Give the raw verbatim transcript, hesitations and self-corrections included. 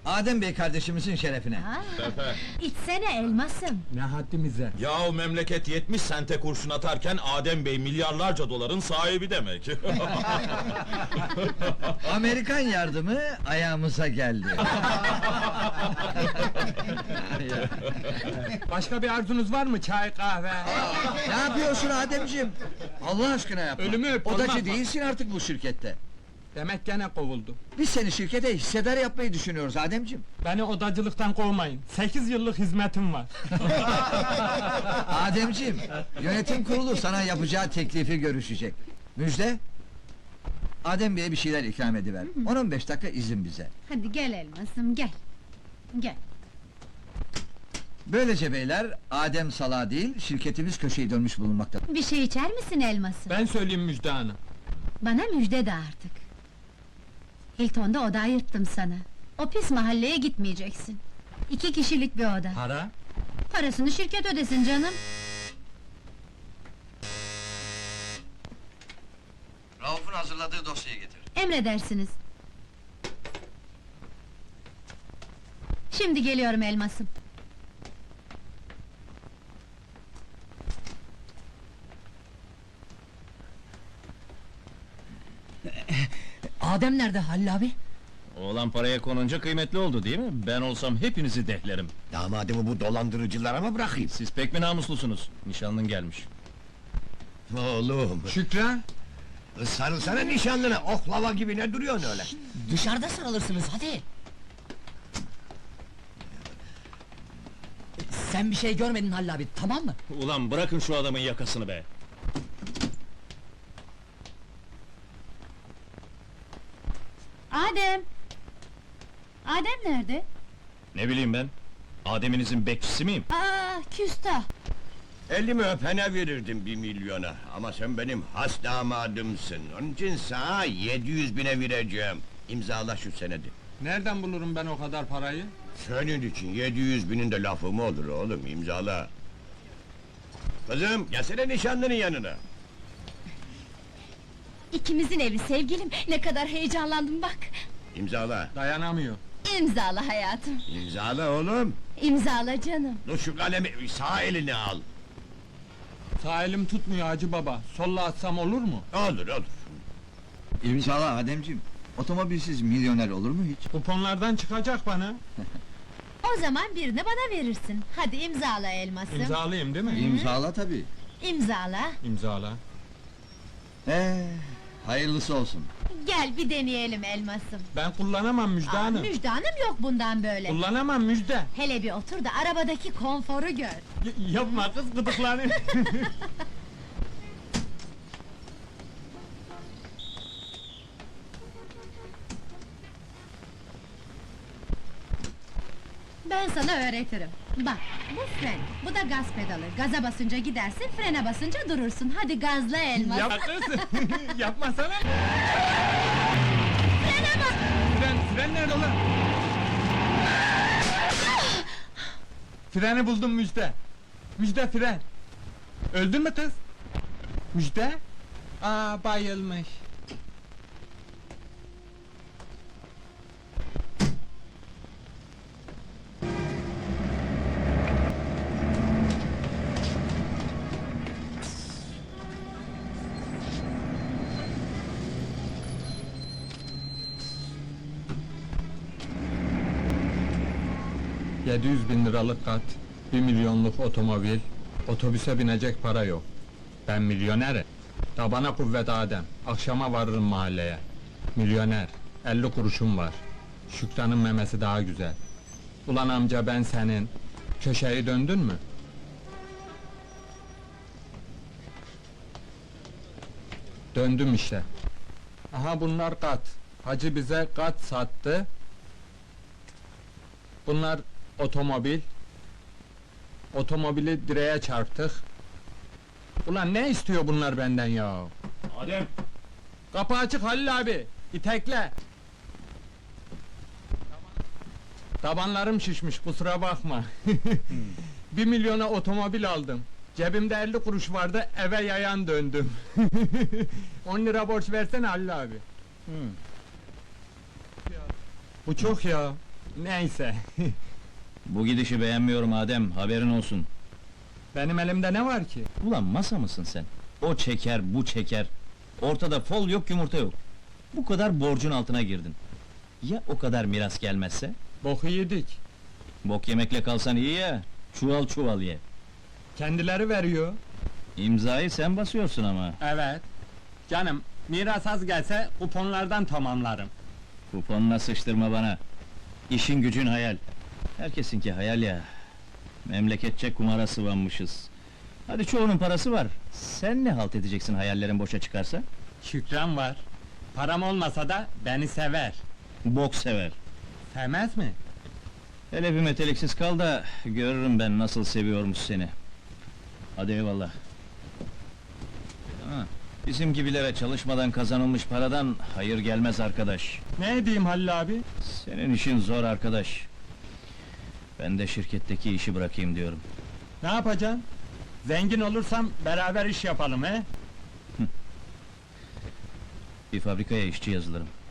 Adem Bey kardeşimizin şerefine. Ha, Tepe. içsene elmasım. Ne haddimize? Yahu memleket yetmiş sente kurşun atarken Adem Bey milyarlarca doların sahibi demek. Amerikan yardımı ayağımıza geldi. Başka bir arzunuz var mı? Çay, kahve? Ne yapıyorsun Ademciğim? Allah aşkına yapma. Ölümü öp, Odacı olmaz mı? değilsin artık bu şirkette. Demek gene kovuldu. Biz seni şirkete hissedar yapmayı düşünüyoruz Ademciğim. Beni odacılıktan kovmayın. Sekiz yıllık hizmetim var. Ademciğim, yönetim kurulu sana yapacağı teklifi görüşecek. Müjde? Adem Bey'e bir şeyler ikram ediver. on on beş dakika izin bize. Hadi gel elmasım, gel. Gel. Böylece beyler, Adem salağı değil, şirketimiz köşeyi dönmüş bulunmakta. Bir şey içer misin elmasım? Ben söyleyeyim Müjde Hanım. Bana müjde de artık. Hilton'da oda ayırttım sana. O pis mahalleye gitmeyeceksin. İki kişilik bir oda. Para? Parasını şirket ödesin canım. Rauf'un hazırladığı dosyayı getir. Emredersiniz. Şimdi geliyorum elmasım. Adem nerede Halil abi? Oğlan paraya konunca kıymetli oldu değil mi? Ben olsam hepinizi dehlerim. Damadımı bu dolandırıcılara mı bırakayım? Siz pek mi namuslusunuz? Nişanlın gelmiş. Oğlum, Şükran? sarılsana nişanlına, oklava gibi ne duruyorsun öyle? Dışarıda sarılırsınız hadi. Sen bir şey görmedin Halil abi, tamam mı? Ulan bırakın şu adamın yakasını be! Adem! Adem nerede? Ne bileyim ben? Ademinizin bekçisi miyim? Aa, küstah! Elimi öpene verirdim bir milyona, ama sen benim has damadımsın. Onun için sana yedi yüz bine vereceğim. İmzala şu senedi. Nereden bulurum ben o kadar parayı? Senin için yedi yüz binin de lafı mı olur oğlum, imzala! Kızım, gelsene nişanlının yanına! İkimizin evi sevgilim, ne kadar heyecanlandım bak! İmzala! Dayanamıyor. İmzala hayatım, İmzala oğlum! imzala canım! Dur şu kalemi sağ eline al! Sağ elim tutmuyor Hacı baba. Solla atsam olur mu? Olur olur! İmzala Ademciğim. Otomobilsiz milyoner olur mu hiç? Kuponlardan çıkacak bana. O zaman birini bana verirsin. Hadi imzala elmasım. İmzalayayım değil mi? İmzala tabii. İmzala. İmzala. Ee, hayırlısı olsun. Gel bir deneyelim elmasım. Ben kullanamam Müjde Aa, Hanım. Müjde Hanım yok bundan böyle. Kullanamam Müjde. Hele bir otur da arabadaki konforu gör. Y- yapma kız gıdıklanır. Ben sana öğretirim. Bak, bu fren, bu da gaz pedalı. Gaza basınca gidersin, frene basınca durursun. Hadi gazla elmas. Yapma kız. Yapmasana. Frene bas! Fren, fren nerede lan? Freni buldum Müjde. Müjde fren. Öldün mü kız? Müjde? Aa bayılmış. Yedi yüz bin liralık kat, bir milyonluk otomobil, otobüse binecek para yok. Ben milyonerim. Tabana kuvvet Adem, akşama varırım mahalleye. Milyoner, elli kuruşum var. Şükran'ın memesi daha güzel. Ulan amca ben senin, köşeyi döndün mü? Döndüm işte. Aha bunlar kat. Hacı bize kat sattı. Bunlar otomobil. Otomobili direğe çarptık. Ulan ne istiyor bunlar benden ya? Adem! Kapı açık Halil abi. İtekle. Tabanlarım şişmiş kusura bakma. Bir milyona otomobil aldım. Cebimde elli kuruş vardı eve yayan döndüm. On lira borç versene Halil abi. Bu çok ya. Neyse, Bu gidişi beğenmiyorum Adem, haberin olsun. benim elimde ne var ki? Ulan masa mısın sen? O çeker, bu çeker. Ortada fol yok, yumurta yok. Bu kadar borcun altına girdin. Ya o kadar miras gelmezse? Boku yedik. Bok yemekle kalsan iyi ya, çuval çuval ye. Kendileri veriyor. İmzayı sen basıyorsun ama. Evet. Canım, miras az gelse kuponlardan tamamlarım. Kuponuna sıçtırma bana. İşin gücün hayal. Herkesinki hayal ya. Memleketçe kumara sıvanmışız. Hadi çoğunun parası var. Sen ne halt edeceksin hayallerin boşa çıkarsa? Şükran var. Param olmasa da beni sever. Bok sever. Sevmez mi? Hele bir meteliksiz kal da görürüm ben nasıl seviyormuş seni. Hadi eyvallah. Ha, bizim gibilere çalışmadan kazanılmış paradan hayır gelmez arkadaş. Ne edeyim Halil abi? Senin işin zor arkadaş. Ben de şirketteki işi bırakayım diyorum. Ne yapacaksın? Zengin olursam beraber iş yapalım he? Bir fabrikaya işçi yazılırım.